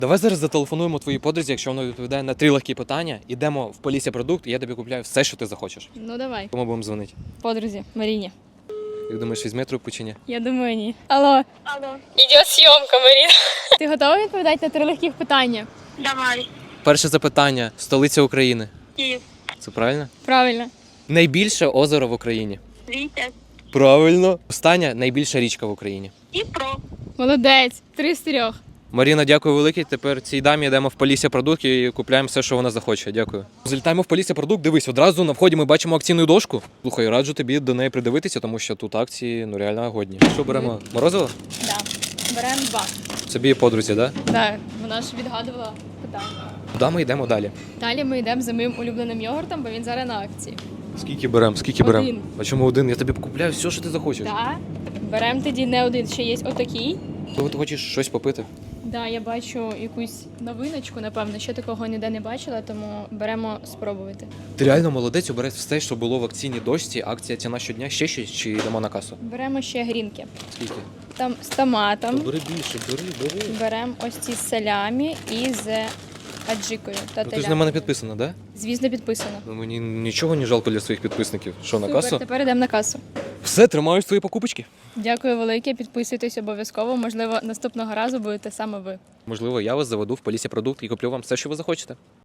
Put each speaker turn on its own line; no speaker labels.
Давай зараз зателефонуємо твоїй подрузі, якщо вона відповідає на 3 легкі питання. Ідемо в Полісся Продукт, і я тобі купляю все, що ти захочеш.
Ну давай.
Кому будемо дзвонити?
Подрузі, Маріні.
Як думаєш, візьме трубку чи ні?
Я думаю, ні. Алло.
Алло,
Ідет зйомка, Маріна. Ти готова відповідати на 3 легких питання?
давай.
Перше запитання. Столиця України.
Київ,
Це правильно?
Правильно.
Найбільше озеро в Україні.
Вітя,
Правильно. Остання найбільша річка в Україні.
Дніпро.
Молодець. 3 з 3.
Маріна, дякую велике. Тепер цій дамі йдемо в Полісся Продукт і купляємо все, що вона захоче. Дякую. Залітаємо в Полісся Продукт. Дивись, одразу на вході ми бачимо акційну дошку. Слухай, раджу тобі до неї придивитися, тому що тут акції реально годні. Що беремо? Морозиво?
Да. Беремо 2.
Собі і подрузі, так? Да?
Так, вона ж відгадувала питання.
Куди ми йдемо далі?
Далі ми йдемо за моїм улюбленим йогуртом, бо він зараз на акції.
Скільки беремо? Скільки беремо?
Один.
А чому один? Я тобі купляю все, що ти захочеш.
Так. Беремо тоді не один, ще є отакий.
Коли ти хочеш щось попити?
Да, я бачу якусь новиночку, напевно, ще такого ніде не бачила, тому беремо спробувати.
Ти реально молодець, обереш все, що було в акційній дошці. Акція ціна щодня. Ще щось чи йдемо на касу?
Беремо ще грінки.
Скільки?
Там з томатом.
Бери більше, бери.
Беремо ось ці з салямі і з аджикою та
Ну, ти ж на
телятиною.
мене підписана, да?
Звісно, підписано.
Ну, мені нічого не жалко для своїх підписників. Що, на
Супер,
касу?
тепер йдемо на касу.
Все, тримаю свої покупочки.
Дякую велике, підписуйтесь обов'язково. Можливо, наступного разу будете саме ви.
Можливо, я вас заведу в Полісся Продукт і куплю вам все, що ви захочете.